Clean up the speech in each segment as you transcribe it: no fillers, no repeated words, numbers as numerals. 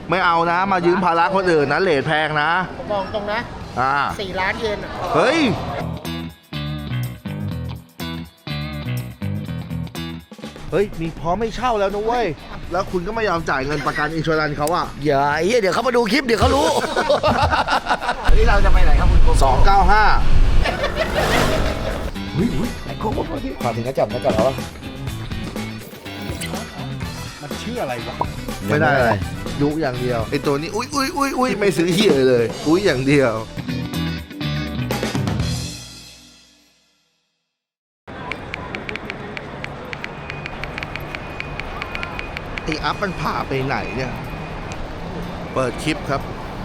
ไม่เอานะมายืมภาระคนอื่นนะเลทแพงนะผมบอกตรงนะ4 ล้านเยนเฮ้ยมีพร้อมไม่เช่าแล้วนะเว้ยแล้วคุณก็ไม่ยอมจ่ายเงินประกันอินชัวรันเขาอ่ะอย่าเดี๋ยวเขามาดูคลิปเดี๋ยวเขารู้วันนี้เราจะไปไหนครับคุณโก 295 ไอ้โก้ขอถึงกระจับแล้ววะมันชื่ออะไรวะไม่ได้อะไรยุอย่างเดียวไอตัวนี้อุ้ยไม่ซื้อเหี้ยเลยอุ้ยอย่างเดียวไออัพมันผ่าไปไหนเนี่ยเปิดคลิปครับ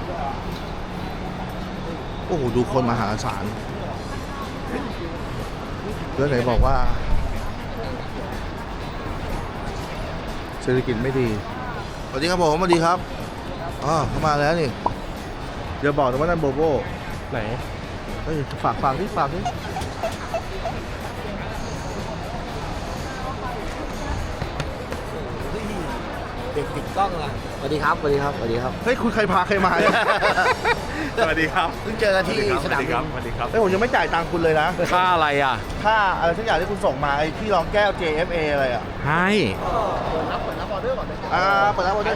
โอ้โหดูคนมหาศาลแล้วไหนบอกว่าเศรษฐกิจไม่ดีสวัสดีครับผมสวัสดีครับเข้ามาแล้วนี่เดี๋ยวบอกนะว่านั่นโบโบไหนฝากที่เด็กติดกล้องอ่ะสวัสดีครับเฮ้ยคุณใครพาใครมาสวัสดีครับเพิ่งเจอกันที่สนามบินสวัสดีครับเฮ้ยผมยังไม่จ่ายตังค์คุณเลยนะค่าอะไรอ่ะค่าอะไรสักอย่างที่คุณส่งมาไอ้ที่รองแก้ว JFA อะไรอ่ะให้เปิดรับออเดอร์ก่อนเลยเปิดรับออเดอร์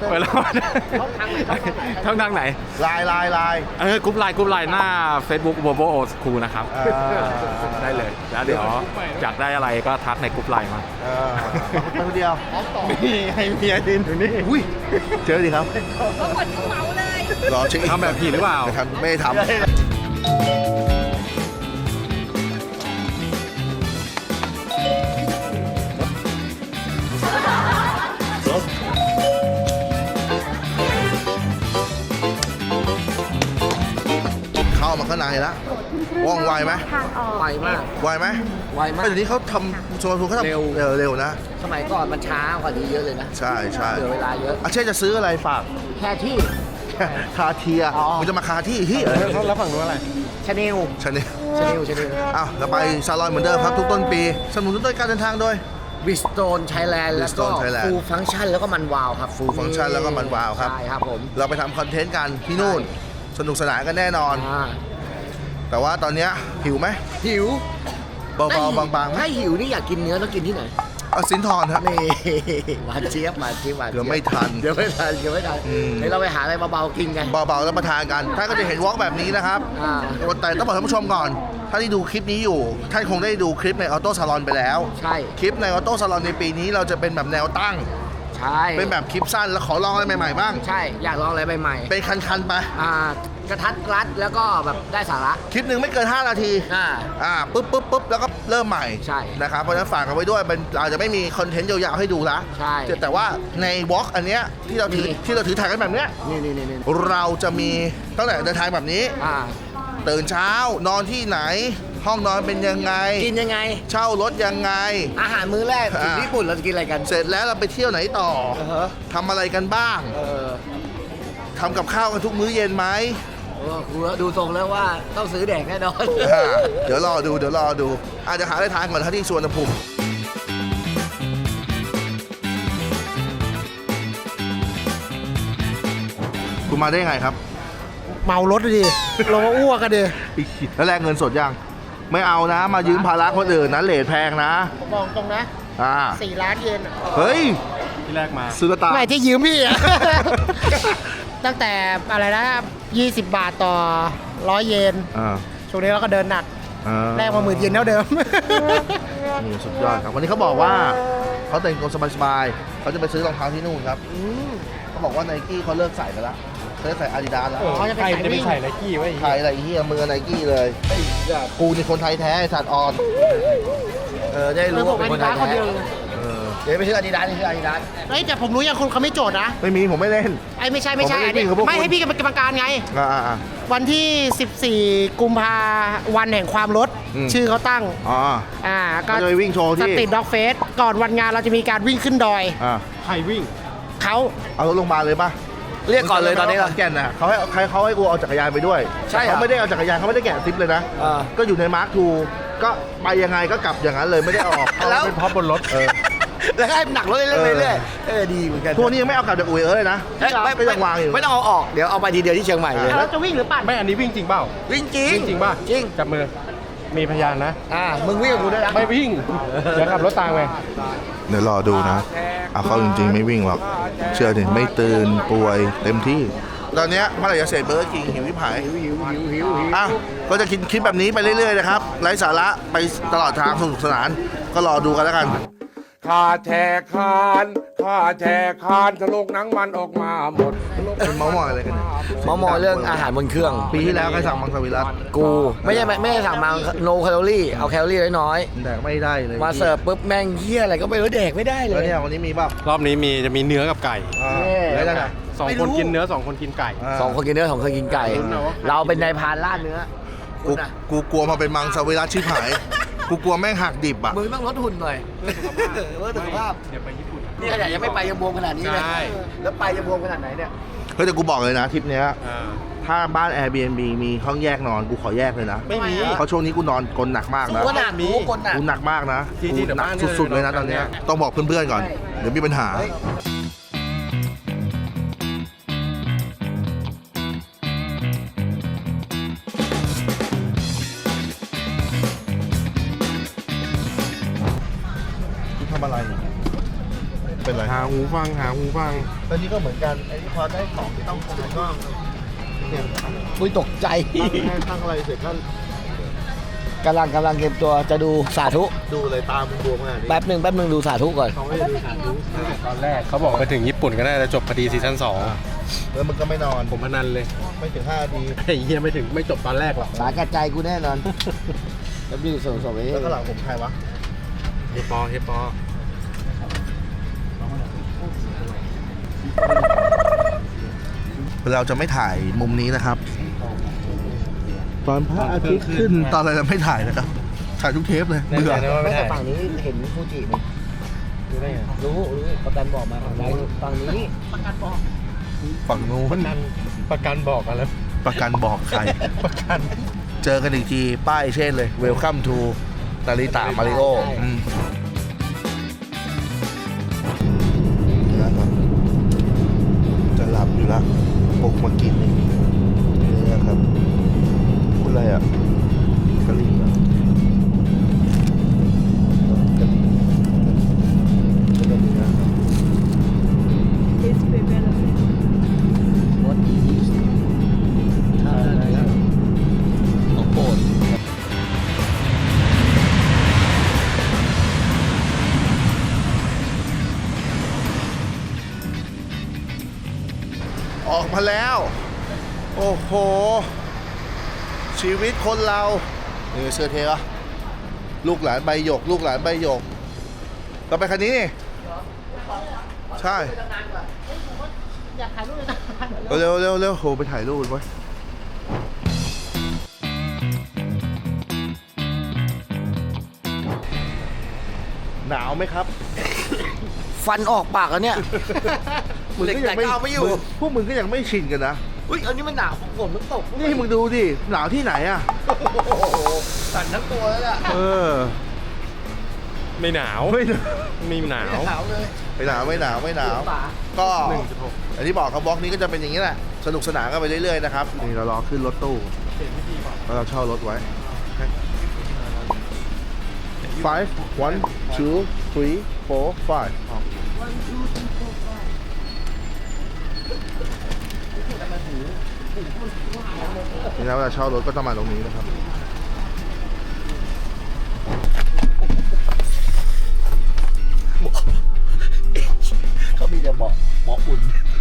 ช่องทางไหนไลน์กรุ๊ปไลน์หน้า Facebook v o v o Old School นะครับได้เลยแล้วเดี๋ยวอยากได้อะไรก็ทักในกรุ๊ปไลน์มาไปคนเดียวมีให้เมียดินอยู่นี่อุ้ยเจอดิครับเขาหมดเขาเมาเลยรอเช็คทำแบบผีหรือเปล่าไม่ทำเข้ามาข้างในแล้วว่องไวไหมไวมากไวไหมเดี๋ยวนี้เขาทำโซนทูเขาทำเร็วนะสมัยก่อนมันช้ากว่านี้เยอะเลยนะใช่เหลือเวลาเยอะเช่นจะซื้ออะไรฝากแค่ที่คาเทียมันจะมาคาที่แล้วฝั่งนู้นอะไรชาแนลเราไปซาลอนเหมือนเดิมครับทุกต้นปีสนับสนุนด้วยการเดินทางโดยวิสโตนไทยแลนด์แล้วก็ฟูลฟังก์ชันแล้วก็มันวาวครับฟูลฟังก์ชันแล้วก็มันวาวครับใช่ครับผมเราไปทำคอนเทนต์กันที่นู่นสนุกสนานกันแน่นอนแต่ว่าตอนนี้หิวไหมหิวเบาๆบางๆถ้าหิวนี่อยากกินเนื้อต้องกินที่ไหนสินทรครับนี่หวานเจี๊ยบเดี๋ยวไม่ทันเดี๋ยวเราไปหาอะไรเบาๆกินกันเบาๆแล้วประทานกันท่านก็จะเห็นวอล์กแบบนี้นะครับแต่ต้องบอกท่านผู้ชมก่อนถ้าที่ดูคลิปนี้อยู่ท่านคงได้ดูคลิปในออโต้ซาลอนไปแล้วใช่คลิปในออโต้ซาลอนในปีนี้เราจะเป็นแบบแนวตั้งใช่เป็นแบบคลิปสั้นแล้วขอลองอะไรใหม่ๆบ้างใช่อยากลองอะไรใหม่ๆเป็นคันๆไปกระทัดรัดแล้วก็แบบได้สาระคลิปหนึ่งไม่เกิน5 นาทีปุ๊บแล้วก็เริ่มใหม่ใช่นะครับเพราะฉะนั้นฝากกันไว้ด้วยเราจะไม่มีคอนเทนต์ยาวๆให้ดูละใช่แต่ว่าในวอล์กอันเนี้ยที่เราถือถ่ายกันแบบเนี้ยนี่เราจะมีตั้งแต่เดินทางแบบนี้ตื่นเช้านอนที่ไหนห้องนอนเป็นยังไงกินยังไงเช่ารถยังไงอาหารมื้อแรกถึงญี่ปุ่นเราจะกินอะไรกันเสร็จแล้วเราไปเที่ยวไหนต่อทำอะไรกันบ้างทำกับข้าวกันทุกมื้อเย็นไหมกูดูทรงแล้วว่าต้องซื้อแดกแน่นอนเดี๋ยวรอดูอาจจะหาอะไรทานก่อนที่สวนภูมิคุณมาได้ไงครับเมารถดิเรามาอ้วกกันดิแล้วแลกเงินสดยังไม่เอานะมายืมภาระคนอื่นนะเลทแพงนะผมบอกตรงนะ4 ล้านเยนเฮ้ยที่แรกมาซื้อตาไม่ที่ยืมพี่ตั้งแต่อะไรนะ20 บาทต่อ100 เยนช่วงนี้เราก็เดินหนักแลกมา10,000 เยนเท่าเดิมนี่สุดยอดครับวันนี้เขาบอกว่าเขาแต่งตัวสบายๆเขาจะไปซื้อรองเท้าที่นู่นครับเขาบอกว่าไนกี้เขาเลิกใส่ไปแล้วเขาจะใส่อาดิดาสแล้วใครจะไปใส่ไนกี้ไว้ใส่อะไรเฮียมือไนกี้เลยกูนี่คนไทยแท้สัตว์ออนได้รู้ว่าเป็นคนไทยแท้เดี๋ยวไปซื้ออาดิดาสนี่คืออาดิดาสแต่ผมรู้ยังคนเขาไม่โจทย์นะไม่มีผมไม่เล่นไม่ใช่ไม่ให้พี่เป็นกรรมการไงวันที่14 กุมภาวันแห่งความรถชื่อเขาตั้งก็จะวิ่งโชว์ที่สตรีทด็อกเฟสก่อนวันงานเราจะมีการวิ่งขึ้นดอยใครวิ่งเขาเอารถโรงพยาบาลเลยป่ะเรียกก่อนเลยตอนนี้แก่นน่ะเขาให้กูเอาจักรยานไปด้วยใช่เขาไม่ได้เอาจักรยานเขาไม่ได้แกะซิปเลยนะก็อยู่ในมาร์คทูก็ไปยังไงก็กลับอย่างนั้นเลยไม่ได้ออกแล้วเป็นพร็อพบนรถแล้วให้หนักรถเรื่อยๆดีเหมือนกันพวกนี้ยังไม่เอากลับจากอุ๋ยเลยนะ ก็ยังวางอยู่ไม่ต้องเอาออกเดี๋ยวเอาไปทีเดียวที่เชียงใหม่เลยเราจะวิ่งหรือปั่นไม่อันนี้วิ่งจริงเปล่าวิ่งจริงวิ่งจริงป่ะจริงจับมือ มีพยานนะมึงวิ่งกับกูด้วยนะไม่วิ่ง เดี๋ยวขับรถตามไงเดี๋ยวรอดูนะเอาเข้าจริงๆไม่วิ่งหรอก เชื่อดิไม่ตื่นป่วยเต็มที่ ตอนเนี้ยเมื่อไหร่จะเสร็จเบอร์กิงหิวที่ผายหิวอ่ะก็จะกินคลิปแบบนี้ไปเรื่อยๆนะครับไร้สาระไปตลอดทางสนุกสนาน ก็รอดูกันแล้วกันข้าแชร์คานทะลุหนังมันออกมาหมดเป็นเมาส์มอยอะไรกันเนี่ยมอเรื่องอาหารบนเครื่องปีที่แล้วใครสั่งมังสวิรัตกูไม่ได้สั่งมา no แคลอรี่เอาแคลอรี่น้อยแดกไม่ได้เลยๆมาเสิร์ฟปุ๊บแม่งเหี้ยอะไรก็ไม่รู้แดกไม่ได้เลแล้วยเนี่ยวันนี้มีป่ะรอบนี้จะมีเนื้อกับไก่แล้วยังไงสองคนกินเนื้อสองคนกินไก่สองคนกินเนื้อสองคนกินไก่ เราเป็นนายพรานล่าเนื้อกูกลัวมาเป็นมังสวิรัตชิบหาย กูกลัวแม่งหักดิบอ่ะมึงต้องลดหุ่นหน่อยเพื่อสุขภาพเดี๋ยวไปญี่ปุ่นนี่ขนาดยังไม่ไปยังบวมขนาดนี้เลยใช่แล้วไปจะบวมขนาดไหนเนี่ยเฮ้ยแต่กูบอกเลยนะทริปเนี้ยอ่าถ้าบ้าน Airbnb มีห้องแยกนอนกูขอแยกเลยนะไม่มีเพราะช่วงนี้กูนอนกลนหนักมากนะกูหนักกูกดหนักกูหนักมากนะจริงๆกูเดี๋ยวหนักบ้านเนี่ยสุดๆเลยนะนอนตอนเนี้ยกันเนี่ยต้องบอกเพื่อนๆก่อน เดี๋ยวมีปัญหา ทำอะไร เป็นไรหาหูฟังตอนนี้ก็เหมือนกันไอ้ที่พอได้ของที่ต้องการก็เนี่ยอุ้ยตกใจตั้งอะไรเสร็จก็กำลังเตรียมตัวจะดูสาธุดูเลยตามมึงบวมขนาดนี้แป๊บหนึ่งดูสาธุก่อนเขาไม่ได้ดูสารดูตอนแรกเขาบอกไปถึงญี่ปุ่นก็น่าจะจบพอดีซีซั่นแล้วมึงก็ไม่นอน 2 ผมพนันเลยไม่ถึง5 นาทีไอ้เหี้ยไม่จบตอนแรกหรอกสาแก่ใจกูแน่นอนแล้วดูส่งไปแล้วก็หลังผมใครวะเฮปอเราจะไม่ถ่ายมุมนี้นะครับ ตอนพระอาทิตย์ขึ้นตอนอะไรเราไม่ถ่ายนะครับ ถ่ายทุกเทปเลย เบื่อไม่แต่ฝั่งนี้เห็นฟูจินี่รู้ได้ไงรู้ประกันบอกมาฝั่งนี้ฝั่งนู้นประกันบอกกันแล้วประกันบอกใครประกันเจอกันอีกทีป้ายเช่นเลย Welcome to นาริตะมาริโอนะครับจะหลับอยู่ละปลุกมากินนี่นะครับคุณอะไรอ่ะกะหรี่เหรอกะหรี่แล้วก็เนื้อครับ What is ข้าวเนื้อของโปรดออกมาแล้ว โอ้โห ชีวิตคนเรานี่เสื้อเทปะลูกหลานใบหยก ลูกหลานใบหยกเราไปคันนี้นี่ใช่อยากถ่ายรูปเลยนะเร็วเร็วเร็วโหไปถ่ายรูปไว้ยหนาวไหมครับฟันออกปากแล้วเนี่ยเหล็กไหลก็เอาไม่อยู่พวกมึงก็ยังไม่ชินกันนะอุ้ยอันนี้มันหนาวฝนมันตกนี่มึงดูดิ หนาวที่ไหนอ่ะสั่นทั้งตัวแล้วเนี่ยเออไม่หนาวไม่มีหนาวหนาวเลยหนาวไม่หนาวไม่หนาว ก็อย่างที่บอกครับบล็อกนี้ก็จะเป็นอย่างนี้แหละ สนุกสนานกันไปเรื่อยๆนะครับ นี่เรารอขึ้นรถตู้แล้วเราเช่ารถไว้ 5 1 2 3 4 5นี่นะเวลาเช่ารถก็ต้องมาตรงนี้นะครับเขามีแต่เบาะอุ่น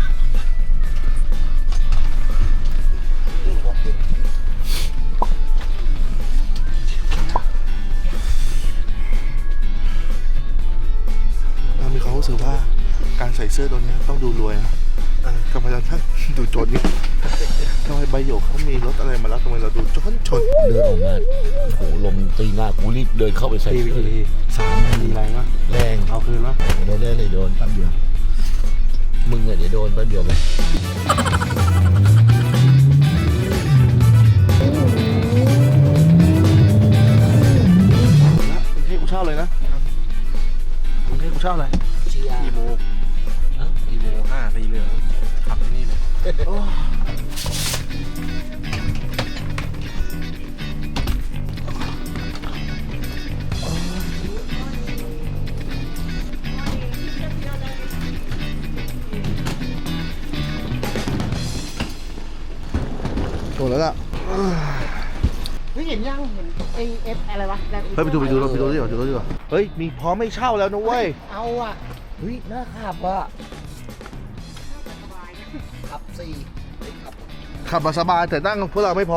เรามีความรู้สึกว่าการใส่เสื้อตัวนี้ต้องดูรวยนะทำไมเราท่านดูจนนี่ทำไมใบหยกเขามีรถอะไรมาแล้วทำไมเราดูจนเดินออกมาโหลมตีหน้ากูรีบเดินเข้าไปใส่ตีไปกี่ที 3 นาทีแรงวะแรงเอาคืนวะโดนได้เลยโดนแป๊บเดียวมึงอะเดี๋ยวโดนแป๊บเดียวไหมกรุงเทพกูเช่าเลยนะกรุงเทพกูชอบอะไรเชียร์อีโมอีโม5สีเหลืองขับที่นี่เลยโอ้แล้วล่ะเฮ้ยเห็นยังเห็นไอเอฟอะไรวะเฮ้ยไปดูรถดีกว่าดูรถดีกว่าเฮ้ยมีพร้อมไม่เช่าแล้วนะเว้ยเอาอ่ะเฮ้ยน่าขับว่ะขับสี่ขับขับมาสบายแต่นั่งพวกเราไม่พอ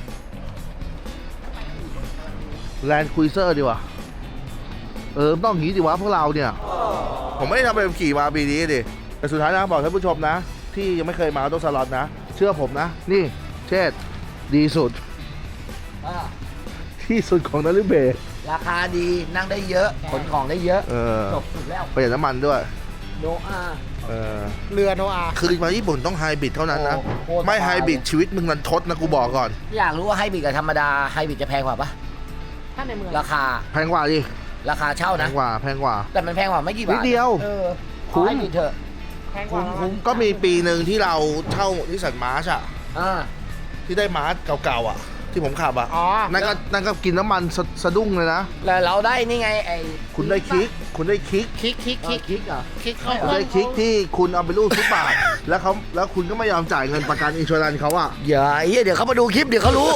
แลนด์ครูเซอร์ดีกว่าต้องอย่างนี้ดิวะพวกเราเนี่ย ผมไม่ได้ทำไปขี่มาปีนี้ดิแต่สุดท้ายนะบอกท่านผู้ชมนะ ที่ยังไม่เคยมาต้องสล็อตนะ เชื่อผมนะ นี่เชษฐ์ดีสุดอ่าที่สุดของนาริเบะราคาดีนั่งได้เยอะขนของได้เยอะจบสุดแล้วประหยัดน้ำมันด้วยโนอาเรือโนอาคือมาญี่ปุ่นต้องไฮบริดเท่านั้นนะโอ้โหไม่ไฮบริดชีวิตมึงนันทดนะกูบอกก่อนอยากรู้ว่าไฮบริดกับธรรมดาไฮบริดจะแพงกว่าปะถ้าในเมืองราคาแพงกว่าดิราคาเช่าแพนะงกว่าแพงกว่าแต่มันแพงกว่าไม่กี่บาทนิดเดียวเออคุ้มไฮบริดเถอะแพงกว่าก็มีปีหนึ่งที่เราเช่านิสสันมาร์ชอะอ่าที่ได้มาร์ชเก่าๆอะที่ผมขับอะอ๋อนั่นก็กินน้ำมันสะดุ้งเลยนะแล้วเราได้นี่ไงไอ้คุณได้คลิก คุณได้คลิกคิกคิกเหรอคิกเข้าคุณได้คลิกที่คุณเอาไปรูดทุกบาท แล้วคุณก็ไม่ยอมจ่ายเงินประกันอินชัวรันเขาอะอย่าเดี๋ยวเขามาดูคลิปเดี๋ยวเขารู้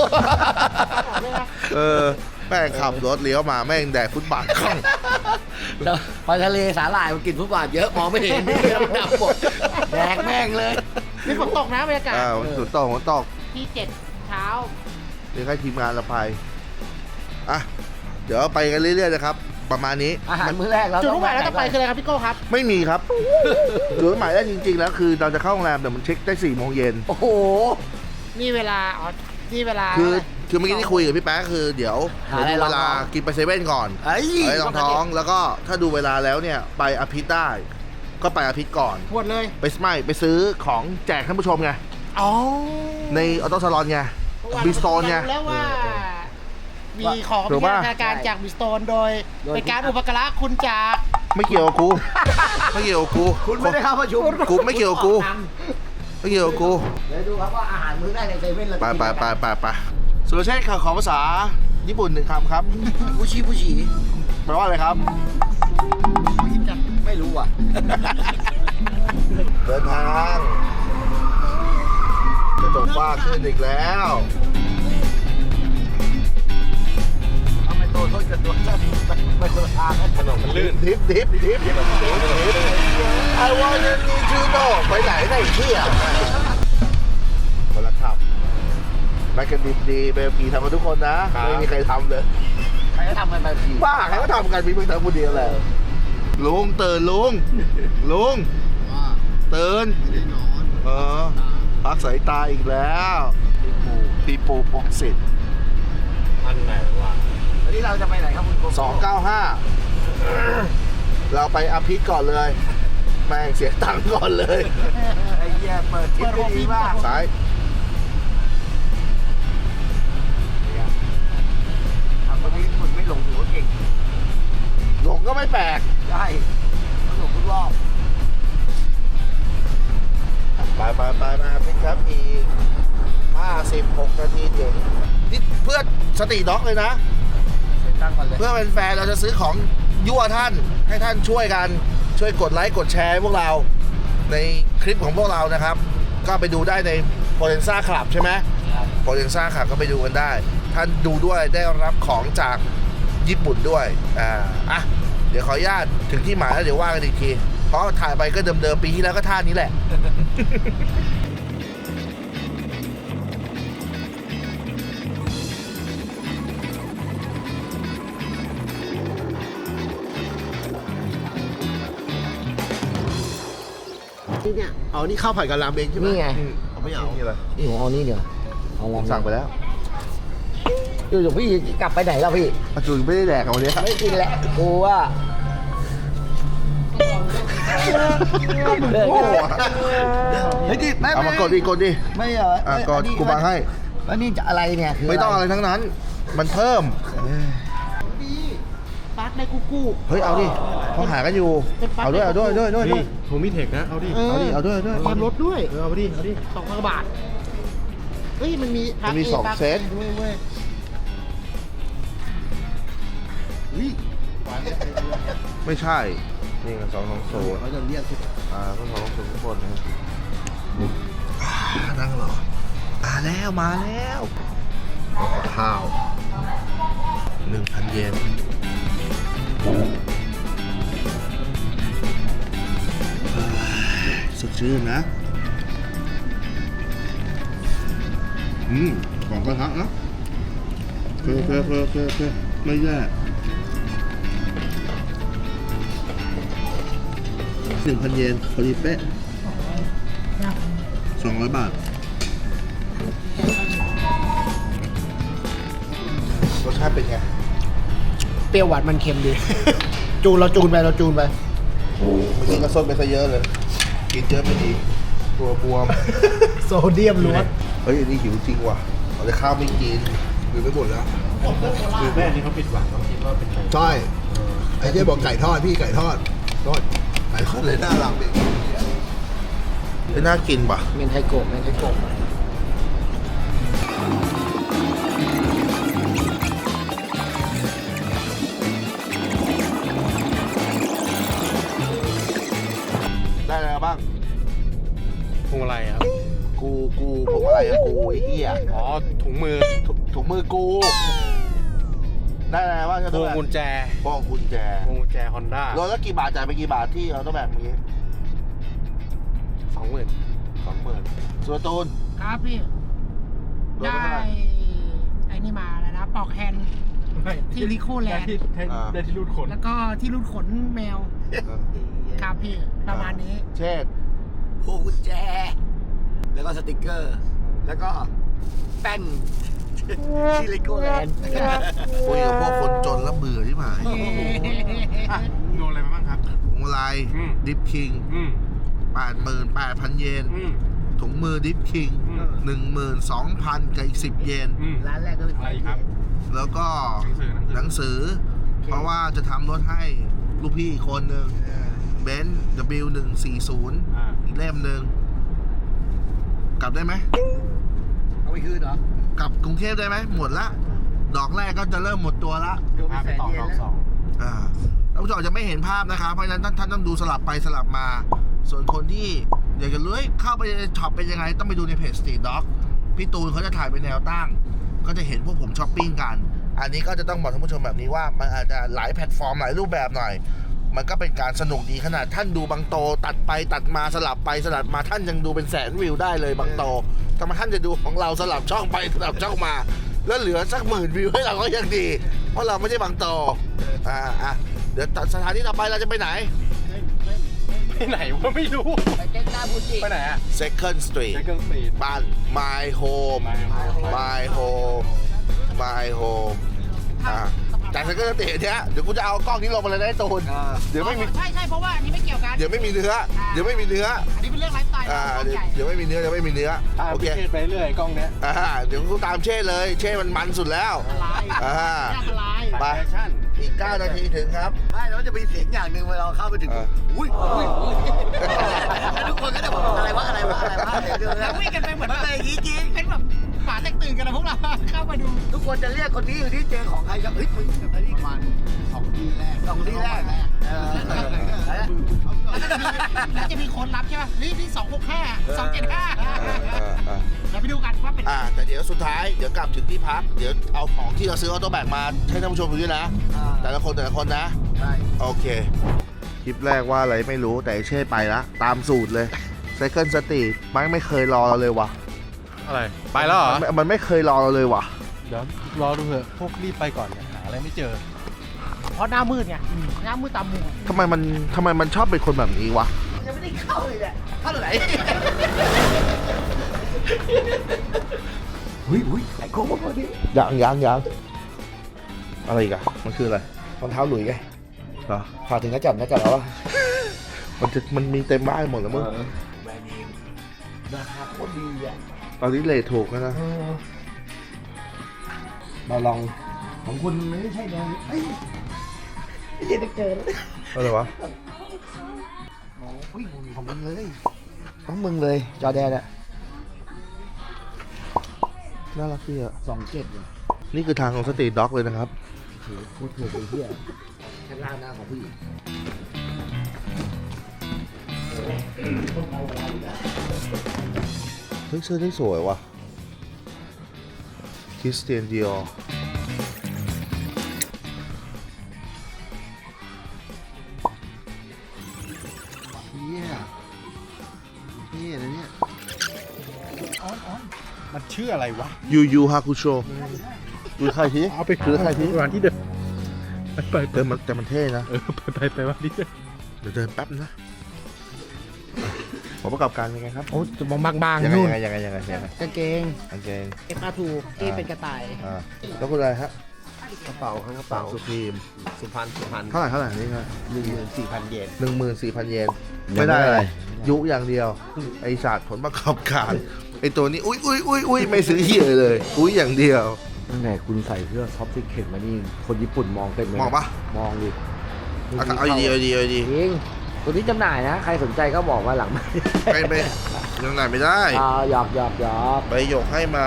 แม่งขับรถเลี้ยวมาแม่งแดกฟุตบาทคล่องแล้วพอทะเลสาหร่ายมันกินฟุตบาทเยอะมองไม่เห็นดำหมดแดกแม่งเลยนี่ฝนตกนะบรรยากาศฝนตกที่7 เช้าเดี๋ยวให้ทีมงานเราไปอ่ะเดี๋ยวไปกันเรื่อยๆนะครับ ประมาณนี้อาหารมื้อแรกเราจุดต้อมุ่งงหมายแล้วจะไปคืออะไรครับพี่โก้ครับไม่มีครับ จุดหมายได้จริงๆแล้วคือเราจะเข้าโรงแรมแต่มันเช็คได้4 โมงเย็นโอ้โหนี่เวลานี่เวลาคือเมื่อกี้ที่คุยกับพี่แป๊ะคือเดี๋ยวหาอะไรดูเวลากินไปเซเว่นก่อนไอ้ไปรองท้องแล้วก็ถ้าดูเวลาแล้วเนี่ยไปอภิษได้ ก็ไปอภิษก่อนหมดเลยไปซื้อของแจกท่านผู้ชมไงอ๋อในออโต้ซาลอนไงบิสโตนไงรู้แล้วว่า มีของถูพิกปะจารณาการจากบิสโตนโดยเป็นการอุปการะคุณจากไม่เกี่ยวกับกู ไม่เกี่ยวกับกูคุณไม่ได้เข้าประชุมกูไม่เกี่ยวกับกู ไม่เกี่ยวกับกูเดี๋ยวดูครับว่าอาหารมื้อแรกในเซเว่นเราจะกินอะไรไปสุรเชษฐ์ขอภาษาญี่ปุ่น1 คำครับผู้ชี้แปลว่าอะไรครับไม่รู้อ่ะเดินทางจะจบฟ้าขึ้นอีกแล้วทำไมตัวต้นกับตัวสั้นไม่คนละทางนะถนนมันลื่นดิฟ I want you to know ไปไหนได้เที่ยวคนละขับแมกกาดิบดีเบลกีทำมาทุกคนนะ ไม่มีใครทำเลยใครก็ทำกันไปทีบ้าใครก็ทำกันมีมึงทำคนเดียวแหละลุงตื่นลุงตื่นพักสายตาอีกแล้วปีปูปกสิทธิ์อันไหนวะวันนี้เราจะไปไหนครับคุณโกโก้ 295 เราไปอภิษก่อนเลย แม่งเสียตังค์ก่อนเลยไอ้เหี้ยเปิดคลิปได้ดีมากซ้ายทำคนนี้คุณไม่หลงถือว่าเก่งหลงก็ไม่แปลกได้หลงทุกรอบไปมาอภิษครับอีก56 นาทีถึงนี่เพื่อสติด็อกเลยนะเซ็นตั้งก่อนเลยเพื่อเป็นแฟนเราจะซื้อของยั่วท่านให้ท่านช่วยกันช่วยกดไลค์กดแชร์ให้พวกเราในคลิปของพวกเรานะครับ ก็ไปดูได้ใน Potenza Club ใช่ไหม Potenza Club ก็ไปดูกันได้ ท่านดูด้วยได้รับของจากญี่ปุ่นด้วยเดี๋ยวขออนุญาตถึงที่หมายแล้วเดี๋ยวว่ากันอีกทีเพราะถ่ายไปก็เดิมๆปีที่แล้วก็ท่านี้แหละเนี่ยเอานี่ข้าวผัดกับรามเองใช่ไหมนี่ไงเอาไม่เอานี่อะไรนี่ผมเอานี่เดี๋ยวเอาลองสั่งไปแล้วอยู่ๆพี่กลับไปไหนแล้วพี่อาจูไม่ได้แดกเอาวันนี้ไม่กินแหละกูว่าโอ้โหเฮ้ยดิไม่เอามากดดิไม่เหรอกดกูบังให้แล้วนี่จะอะไรเนี่ยคืไม่ต้องอะไรทั้งนั้น มันเพิ่มฟาสในกูเฮ้ย เอาดิเขาหากันอยู่เอาด้วยนี่ผมมีเทคนะ เอาดิเอาด้วยความลดด้วยเอาดิ เอาดิ 2,000 บาท เฮ้ย มันมีมันมีสองเซตด้วยเว้ยไม่ใช่ นี่กัน220เขาจะเรียกทุกก็220ทุกคนนะครับนั่งรอมาแล้วข้าว 1,000 เยนสดชื่นนะของกระทะนะเพื่อไม่แย่1,000 เยนพอดีเป๊ะ200 บาทรสชาติเป็นไงเปรี้ยวหวานมันเค็มดี จูนไปเมื่อกี้ก็ส้นไปซะเยอะเลย กินเยอะไม่ดีตัวบวมโซเดียมล้วนเฮ้ยอันนี้หิวจริงว่ะเอาแต่ข้าวไม่กินกินไม่หมดแล้วคือแม่นี่เขาปิดหวังเขาคิดว่าเป็นไก่ใช่ไอ้ที่บอกไก่ทอดพี่ไก่ทอดไก่ทอดเลยน่ารักเด็กไม่น่ากินป่ะเมนไทโกะได้อะไรบ้างพวงมาลัยครับกูผมอะไรอะกูไอ้เหี้ยอ๋อ ถุงมือถุงมือกู ได้อะไรบ้างพวงกุญแจพวงกุญแจพวงกุญแจฮอนด้ารถแล้วกี่บาทจ่ายไปกี่บาทที่เราต้องแบบนี้ 20,000 20,000ส่วนตูนครับพี่โดนได้ไปเท่าไหร่ไอ้นี่มาแล้วนะ ปอกแฮนด์ที่ลิโคแลนด์ได้ที่รูดขนแล้วก็ที่รูดขนแมว ครับพี่ ประมาณนี้เช่นพวงกุญแจ แล้วก็สติกเกอร์ แล้วก็แป้นที่เลโก้แลนด์คุยกับพวกคนจนแล้วเบื่อที่หมายโดนอะไรมาบ้างครับพวงมาลัย ดิฟคิง 88,000 เยน ถุงมือดิฟคิง 12,000 กับอีก10 เยนร้านแรกก็เป็นอะไรครับแล้วก็หนังสือ เพราะว่าจะทำรถให้ลูกพี่อีกคนหนึ่งเบนซ์ W140 อีกเล่มหนึ่งกลับได้ไหมเอาไปคืนเหรอกลับกรุงเทพได้ไหมหมดละ ดอกแรกก็จะเริ่มหมดตัวละโดนไปพาไปแสนต่อเยนรอบแล้ว 2 ท่านผู้ชมจะไม่เห็นภาพนะครับ เพราะฉะนั้นท่านต้องดูสลับไปสลับมา ส่วนคนที่อยากจะรู้เข้าไปในช็อปเป็นยังไง ต้องไปดูในเพจ Street Dog พี่ตูนเขาจะถ่ายเป็นแนวตั้ง ก็จะเห็นพวกผมช้อปปิ้งกัน อันนี้ก็จะต้องบอกท่านผู้ชมแบบนี้ว่ามันอาจจะหลายแพลตฟอร์มหลายรูปแบบหน่อย มันก็เป็นการสนุกดีขนาดท่านดูบางโตตัดไปตัดมาสลับไปสลับมาท่านยังดูเป็นแสนวิวได้เลยบางโตทำไมท่านจะดูของเราสลับช่องไปสลับช่องมา แล้วเหลือสัก10,000 วิวให้เราก็ยังดี เพราะเราไม่ใช่บางโตเดี๋ยวสถานที่ต่อไปเราจะไปไหนไปไหนวะไม่รู้ไปเจ๊กหน้าบูจิไปไหนอะ Second Street ไปเครื่องสปีดบ้าน My Home My Home My Home จาก Second Street เนี้ยเดี๋ยวกูจะเอากล้องนี้ลงมาเลยนะไอ้ตูนเดี๋ยวไม่มีใช่เพราะว่าอันนี้ไม่เกี่ยวกันเดี๋ยวไม่มีเนื้อ อันนี้เป็นเรื่องไลฟ์สไตล์เดี๋ยวไม่มีเนื้อโอเคเทศไปเรื่อยกล้องเนี้ยเดี๋ยวกูตามเช่เลย เช่มันสุดแล้วอันตรายไปแฟชั่นอีก 9 นาทีถึงครับไม่แล้วมันจะมีเสียงอย่างหนึ่งเวลาเราเข้าไปถึง อุ้ยแล้วทุกคนก็จะบอกอะไรวะเดี๋ยวแล้ววิ่งกันไปเหมือนมันเป็นอย่างนี้จริงเป็นแบบหมาแตกตื่นกันนะพวกเรา เข้ามาดูทุกคนจะเรียกคนนี้อยู่ที่เจอของใครก็เฮ้ยมึงไปที่มัน2 ที่แรกแล้วจะมีคนรับใช่ป่ะนี่265 275เราไปดูกันว่าเป็นแต่เดี๋ยวสุดท้ายเดี๋ยวกลับถึงที่พัก เดี๋ยวเอาของที่เราซื้อออโต้แบกมาให้ท่านผู้ชมดูด้วยนะ แต่ละคนนะใช่โอเค คลิปแรกว่าอะไรไม่รู้แต่ไอ้เช่ไปละตามสูตรเลย Second Street ไม่เคยรอเราเลยว่ะอะไร ไปแล้วเหรอมันไม่เคยรอเราเลยว่ะเดี๋ยวรอดูเถอะ พวกรีบไปก่อนเนี่ยหาอะไรไม่เจอเพราะหน้ามืดไงหน้ามืดตามมุมทำไมมันชอบเป็นคนแบบนี้วะยังไม่ได้เข้าเลยเนี่ยเข้าไหนอุ้ยไอ้โค้งพอดียังอะไรอีกอะมันคืออะไรรองเท้าหลุยไงเหรอพาถึงนักจับแล้วมันมีเต็มบ้านหมดแล้วมึงแบรนด์เนมราคาโคตรดีอ่ะตอนนี้เลทถูกแล้วนะเราลองของคุณไม่ใช่แดงเฮ้ยไม่ใช่เจอแล้วอะไรวะอุ้ยของมึงเลยของมึงเลย จอแดนอะน่ารักดีอ่ะ 27 นี่คือทางของสตรีทด็อกเลยนะครับพูดถูกเลยเฮียข้างล่างหน้าของผู้หญิงเฮ้ยเสื้อได้สวยว่ะคริสเตียนดิออร์เฮียนี่นะเนี่ยมันชื่ออะไรวะยูฮาคุโชดูใครทีเอาไปดูใครทีวันที่เดินไปเดินมันแต่มันเท่นะไปวันที่เดินเดี๋ยวเดินแป๊บนะผมประกอบการเป็นไงครับโอ้จะบางยังๆนู่นไงยังไงกางเกงโอเค FR2 ที่เป็นกระต่ายแล้วคุณอะไรฮะกระเป๋าข้างกระเป๋าสุพีมสุพรรณเท่าไหร่นี่ครับ 14,000 เยน 14,000 เยนไม่ได้อะไรยุอย่างเดียว ไอศาสตร์ผลประกอบการไอตัวนี้อุ้ยไม่ซื้อเหี้ยเลยอุ้ยอย่างเดียวตั้งแต่คุณใส่เสื้อท็อปซิกเข็นมานี่ คนญี่ปุ่นมองเต็มเลยนะมองปะมองดิเอาดีเอาดีจริงตัวนี้จำหน่ายนะ ใครสนใจก็บอกว่าหลังไม่ไปยังไหนไม่ได้หยอกไปหยกให้มา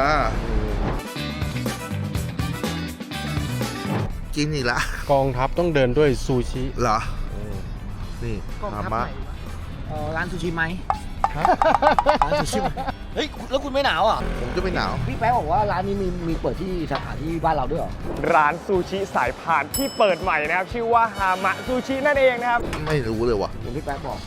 กินอีกละกองทัพต้องเดินด้วยซูชิเหรอนี่กองฮาทัพมะไหนร้านซูชิไหมร้านซูชิเฮ้ย แล้วคุณไม่หนาวอ่ะผมจะไม่หนาวพี่แป๊ะบอกว่าร้านนี้มีเปิดที่สาขาที่บ้านเราด้วยเหรอร้านซูชิสายพานที่เปิดใหม่นะครับ ชื่อว่าฮามะซูชินั่นเองนะครับไม่รู้เลยว่ะเห็นพี่แป๊ะบอก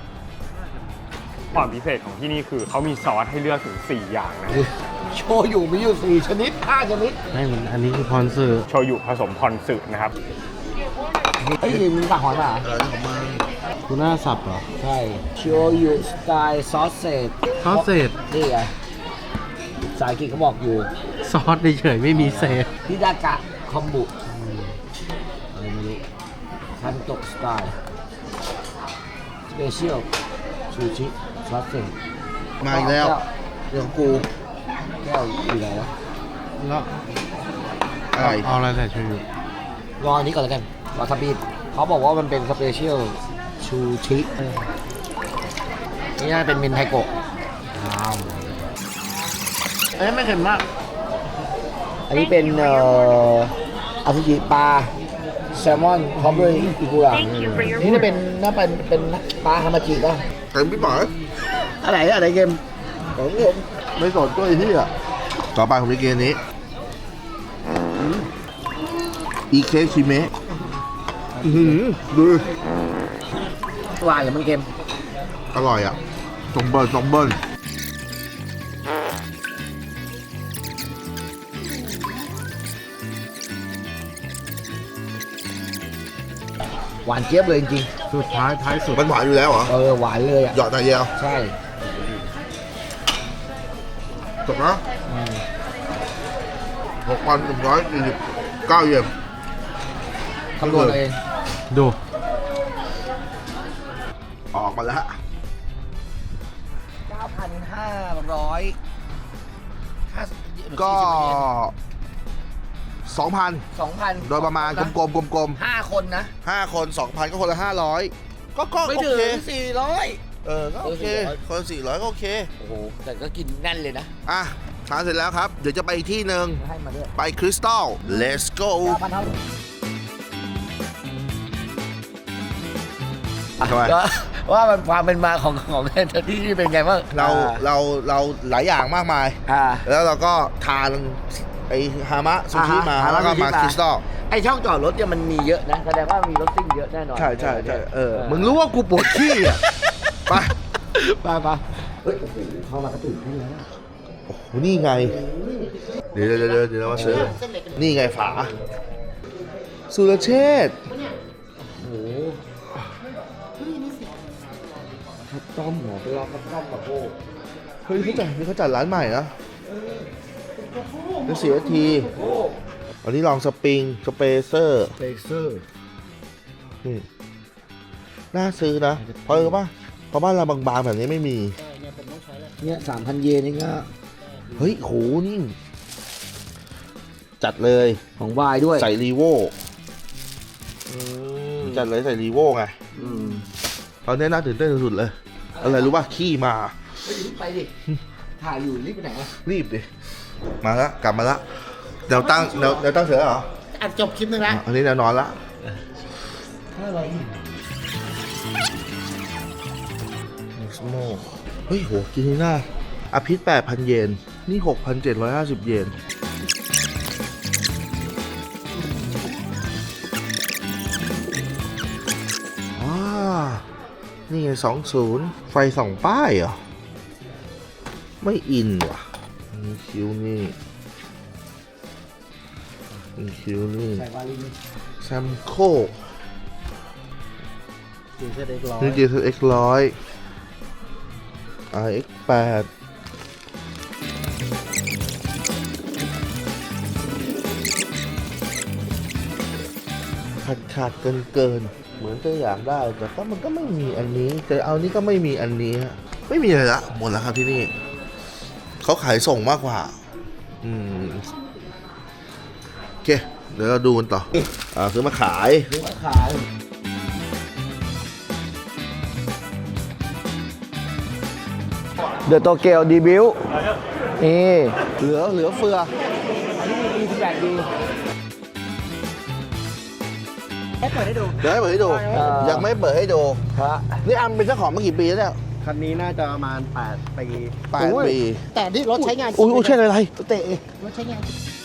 ความพิเศษของที่นี่คือเขามีซอสให้เลือกถึง 4 อย่างนะโชยุมีอยู่ 4 ชนิด 5 ชนิดไม่มันอันนี้คือพรสื่อโชยุผสมพอนสึนะครับเฮ้ยมึงสั่งหอยมาเหรอทูน่าสับเหรอใช่โชยุสไตล์ซอสเซจซอสเศษนี่ไงภาษาอังกฤษเขาบอกอยู่ซอสเฉยๆไม่มีเศษฮิดากะคอมบุอะไรไม่รู้คันโตะสไตล์สเปเชียลซูชิซอสเซจมาอีกแล้วเรื่องของกูแก้วอยู่ไหนวะแล้วอะไรเอาอะไรใส่ชูอยู่รออันนี้ก่อนแล้วกันวาซาบิเขาบอกว่ามันเป็นสเปเชียลชูชินี่น่าเป็นมินไทโกะอันนี้ไม่เค็มมาก อันนี้เป็นอาซุจิปลาแซลมอนพร้อมด้วยอิกุระนี่จะเป็นน่าเป็นปลาฮามาจิป่ะเต็มพี่ป๋อยอะไรเกมของผมไม่สนก็ไอ้ที่อ่ะต่อไปผมจะกินอันนี้อีเคชิเมะดูหวานหรือมันเค็มอร่อยอ่ะจงเบิ้ลหวานเจี๊ยบเลยจริงสุดท้ายสุดมันหวานอยู่แล้วเหรอหวานเลยอ่ะหยอดหน่อยเดียวใช่จบนะ6,149 เยนคำนวณเอาเองดูออกมาแล้ว 9,500 ก็ 2,000 2,000 โดยประมาณกลม 5 คนนะๆ5 คน 2,000 ก็คนละ 500 ก็ไม่โอถึงเค 400 ก็โอเค คนละ400 ก็โอเคโอ้โห แต่ก็กินแน่นเลยนะอ่ะทานเสร็จแล้วครับ เดี๋ยวจะไปอีกที่หนึ่งให้มาด้วยไปคริสตัล let's go 9,000เท่าทำไมว่ามันความเป็นมาของที่นี่เป็นไงบ้างเราหลายอย่างมากมาย แล้วเราก็ทานไอฮามะซูชิมา แล้วก็มาคริสตัลไอช่องจอดรถเนี่ยมันมีเยอะนะ แสดงว่ามีรถซิ่งเยอะแน่นอนใช่มึงรู้ว่ากูปวดขี้อ่ะ ไปไปเฮ้ยโอ้โหเข้ามากระตุ้นขึ้นแล้วโอ้โหนี่ไง เดี๋ยวเรามาซื้อ นี่ไงฝา สุรเชษฐ์โอ้โหข้าวต้มเหรอไปลองข้าวต้มกับโบเฮ้ยเขาจัดร้านใหม่นะจะเสียทีอันนี้ลองสปริงสเปเซอร์เฟเซอร์นี่น่าซื้อนะเพราะอะไรป่ะเพราะบ้านเราบางๆแบบนี้ไม่มีเนี่ย 3,000 เยนเองอะเฮ้ยโหนี่จัดเลยของวายด้วยใส่รีโวจัดเลยใส่รีโวไงตอนนี้น่าตื่นเต้นสุดๆเลย อะไรรู้ป่ะขี้มาไปดิ ถ่ายอยู่รีบไปไหนอะรีบดิ มาแล้วกลับมาแล้วเดี๋ยวตั้งเดี๋ยวตั้งเสือเหรออัดจบคลิปนึงแล้วอันนี้แนวนอนละสโมเฮ้ยโหกินนี่น่าอภิษ 8,000 เยน นี่ 6,750 เยน นี่ไง20 ไฟส่องป้ายเหรอ ไม่อินว่ะมีคิวนี่มีคิวนี่ใส่วาลินแซมโคจีเซตเอ็กร้อยนี่ GTX 100 RX 8ขาดเกินเหมือนจะอยากได้แต่ก็มันก็ไม่มีอันนี้แต่เอานี้ก็ไม่มีอันนี้ฮะไม่มีอะไรละหมดแล้วครับที่นี่เขาขายส่งมากกว่าโอเคเดี๋ยวเราดูกันต่อซื้อมาขายซื้อมาขาย เดอะโตเกียวดีบิวนี่เหลือเฟืออันนี้มี28ดีให้เปิดให้ดูเดี๋ยวให้เปิดให้ดู ยังไม่เปิดให้ดูฮะนี่อันเป็นเจ้าของมากี่ปีแล้วเนี่ยคันนี้น่าจะประมาณ8 ปี 8 ปีแต่ที่รถใช้งานอุ้ยใช่อะไรเตะรถใช้งาน